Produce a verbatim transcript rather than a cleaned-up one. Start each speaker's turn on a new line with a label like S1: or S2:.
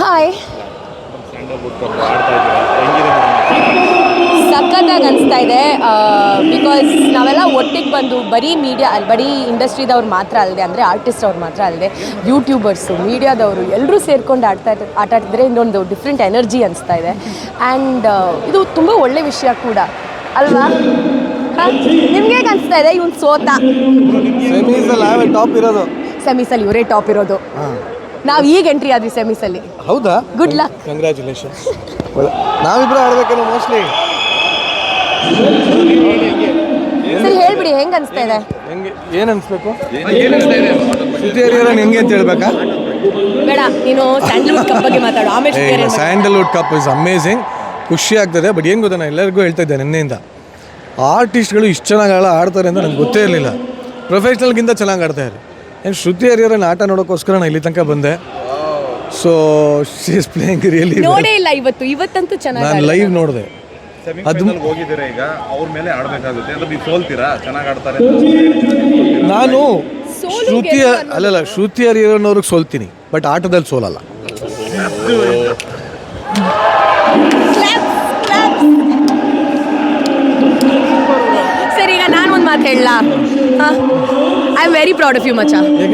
S1: Hi.
S2: Sandalwood cup ಆಡ್ತಾ ಇದ್ದೀರಾ, ಹೆಂಗಿದೆ
S1: ಸಖತ್ತಾಗಿ ಅನಿಸ್ತಾ ಇದೆ. ಬಿಕಾಸ್ ನಾವೆಲ್ಲ ಒಟ್ಟಿಗೆ ಬಂದು ಬರೀ ಮೀಡಿಯಾ ಅಲ್ಲಿ ಬರೀ ಇಂಡಸ್ಟ್ರಿದವ್ರು ಮಾತ್ರ ಅಲ್ಲದೆ ಅಂದರೆ ಆರ್ಟಿಸ್ಟ್ ಅವ್ರು ಮಾತ್ರ ಅಲ್ಲದೆ ಯೂಟ್ಯೂಬರ್ಸು ಮೀಡಿಯಾದವರು ಎಲ್ಲರೂ ಸೇರ್ಕೊಂಡು ಆಡ್ತಾ ಇದ್ದಾರೆ ಆಟ ಆಡ್ತಿದ್ರೆ ಇನ್ನೊಂದು ಡಿಫ್ರೆಂಟ್ ಎನರ್ಜಿ ಅನಿಸ್ತಾ ಇದೆ. ಆ್ಯಂಡ್ ಇದು ತುಂಬ ಒಳ್ಳೆ ವಿಷಯ ಕೂಡ ಅಲ್ವಾ? ನಿಮ್ಗೆ ಹೇಗೆ ಅನಿಸ್ತಾ ಇದೆ? ಇವ್ನು ಸೋತ
S3: ಸೆಮೀಸಲ್ಲಿ ನಾವೇ ಟಾಪ್ ಇರೋದು.
S1: ಸೆಮೀಸಲ್ಲಿ ಇವರೇ ಟಾಪ್ ಇರೋದು. ನಾವು ಈಗ ಎಂಟ್ರಿ ಆದ್ವಿ ಸೆಮೀಸಲ್ಲಿ.
S3: ಹೌದಾ?
S1: Good luck.
S3: ಕಂಗ್ರ್ಯಾಚುಲೇಷನ್. ನಾವಿಬ್ಬರು ಆಡ್ಬೇಕೇನೋ ಮೋಸ್ಟ್ಲಿ.
S1: ಸರಿ ಹೇಳ್ಬಿಡಿ, ಹೆಂಗೆ ಅನಿಸ್ತಾ ಇದೆ?
S3: ಹೆಂಗೆ ಏನು ಅನಿಸ್ಬೇಕು? ಶ್ರುತಿ ಹರಿಹರನ್ ಹೆಂಗೆ ಅಂತ ಹೇಳ್ಬೇಕಾ?
S1: ಬೇಡ, ನೀನು ಸ್ಯಾಂಡಲ್ವುಡ್ ಕಪ್ ಬಗ್ಗೆ ಮಾತಾಡು ಆಮೇಲೆ.
S3: Sandalwood cup is amazing. ಖುಷಿ ಆಗ್ತದೆ. ಬಟ್ ಏನು ಗೊತ್ತಾ, ನಾನು ಎಲ್ಲರಿಗೂ ಹೇಳ್ತಾ ಇದ್ದೆ ನಿನ್ನೆಯಿಂದ, ಆರ್ಟಿಸ್ಟ್ಗಳು ಇಷ್ಟು ಚೆನ್ನಾಗಿ ಆಳ ಆಡ್ತಾರೆ ಅಂತ ನನಗೆ ಗೊತ್ತೇ ಇರಲಿಲ್ಲ. ಪ್ರೊಫೆಷ್ನಲ್ಗಿಂತ ಚೆನ್ನಾಗಿ ಆಡ್ತಾರೆ. ಏನು ಶ್ರುತಿ ಹರಿಹರನ್ ಆಟ ನೋಡೋಕ್ಕೋಸ್ಕರ ನಾನು ಇಲ್ಲಿ ತನಕ ಬಂದೆ. So she is playing really.
S1: ನೋಡೇ ಇಲ್ಲ ಇವತ್ತು, ಇವತ್ತಂತೂ ಚೆನ್ನಾಗಿ
S3: ನಾನು ಲೈವ್ ನೋಡಿದೆ.
S2: ಅದು ಹೋಗಿದ್ದೀರಾ ಈಗ, ಅವ್ರ ಮೇಲೆ ಆಡಬೇಕಾಗುತ್ತೆ ಅಂದ್ರೆ ನೀವು ಸೋಲ್ತೀರಾ? ಚೆನ್ನಾಗಿ ಆಡ್ತಾರೆ
S3: ನಾನು ಶ್ರುತಿ ಅಲ್ಲಲ್ಲ ಶ್ರುತಿ ಹರಿಹರನ್ ಅವ್ರಿಗೆ ಸೋಲ್ತೀನಿ, ಬಟ್ ಆಟದಲ್ಲಿ ಸೋಲಲ್ಲ.
S1: ಸರಿ, ಈಗ ನಾನು ಒಂದು ಮಾತು ಹೇಳಲಾ? I am very proud of you ಮಚ್ಚ.